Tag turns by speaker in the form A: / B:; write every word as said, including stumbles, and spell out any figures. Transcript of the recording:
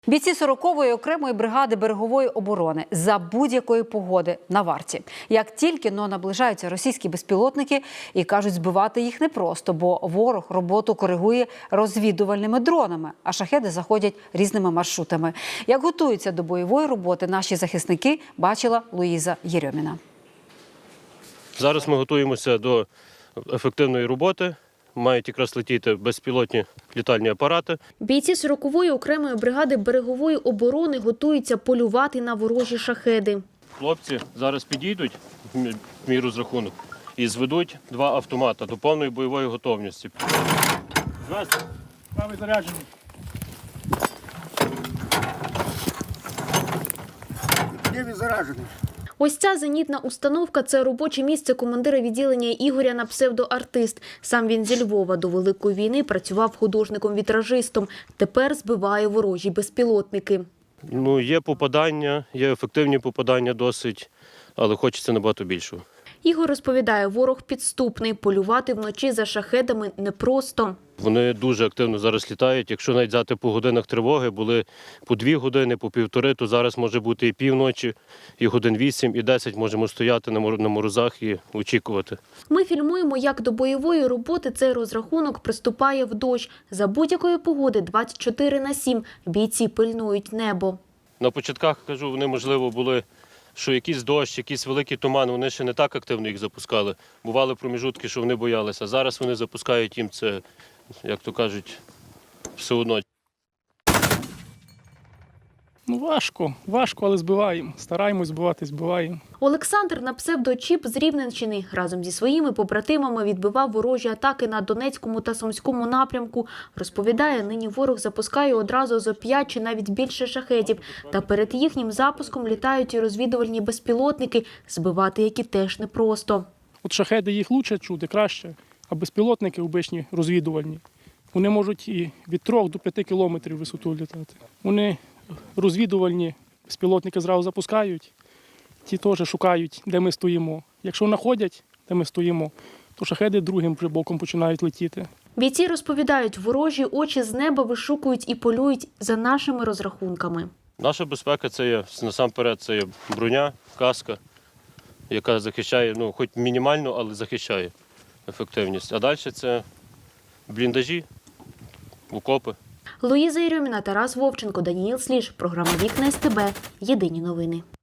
A: Бійці сорокової окремої бригади берегової оборони за будь-якої погоди на варті. Як тільки но наближаються російські безпілотники і кажуть, збивати їх непросто, бо ворог роботу коригує розвідувальними дронами, а шахеди заходять різними маршрутами. Як готуються до бойової роботи наші захисники, бачила Луїза Єрьоміна.
B: Зараз ми готуємося до ефективної роботи. Мають якраз летіти безпілотні літальні апарати.
C: Бійці сорокової окремої бригади берегової оборони готуються полювати на ворожі шахеди.
B: Хлопці зараз підійдуть, в мій розрахунок, і зведуть два автомата до повної бойової готовності.
D: Здравствуйте. Правий заряджений. Лівий заряджений.
C: Ось ця зенітна установка – це робоче місце командира відділення Ігоря на псевдоартист. Сам він зі Львова до Великої війни працював художником-вітражистом. Тепер збиває ворожі безпілотники.
B: Ну, є попадання, є ефективні попадання досить, але хочеться набагато більшого.
C: Ігор розповідає, ворог підступний. Полювати вночі за шахедами непросто.
B: Вони дуже активно зараз літають. Якщо навіть взяти по годинах тривоги, були по дві години, по півтори, то зараз може бути і півночі, і годин вісім, і десять можемо стояти на морозах і очікувати.
C: Ми фільмуємо, як до бойової роботи цей розрахунок приступає в дощ. За будь-якої погоди двадцять чотири на сім бійці пильнують небо.
B: На початках, кажу, вони, можливо, були, що якийсь дощ, якийсь великий туман, вони ще не так активно їх запускали. Бували проміжутки, що вони боялися. Зараз вони запускають їм це, як то кажуть, все одно.
D: Ну важко, важко, але збиваємо. Стараємось збивати, збиваємо.
C: Олександр на псевдочіп з Рівненщини разом зі своїми побратимами відбивав ворожі атаки на Донецькому та Сумському напрямку. Розповідає, нині ворог запускає одразу зо п'ять чи навіть більше шахедів. Та перед їхнім запуском літають і розвідувальні безпілотники, збивати які теж непросто.
D: От шахеди їх краще чути, краще, а безпілотники обичні, розвідувальні, вони можуть і від трьох до п'яти кілометрів висоту літати. Вони розвідувальні, безпілотники зразу запускають, ті теж шукають, де ми стоїмо. Якщо знаходять, де ми стоїмо, то шахеди другим вже боком починають летіти.
C: Бійці розповідають, ворожі очі з неба вишукують і полюють за нашими розрахунками.
B: Наша безпека – це є, насамперед, це є броня, каска, яка захищає, ну, хоч мінімально, але захищає ефективність. А далі це бліндажі, окопи.
C: Луїза Єрьоміна, Тарас Вовченко, Даніїл Сліж. Програма «Вікна ес те бе». Єдині новини.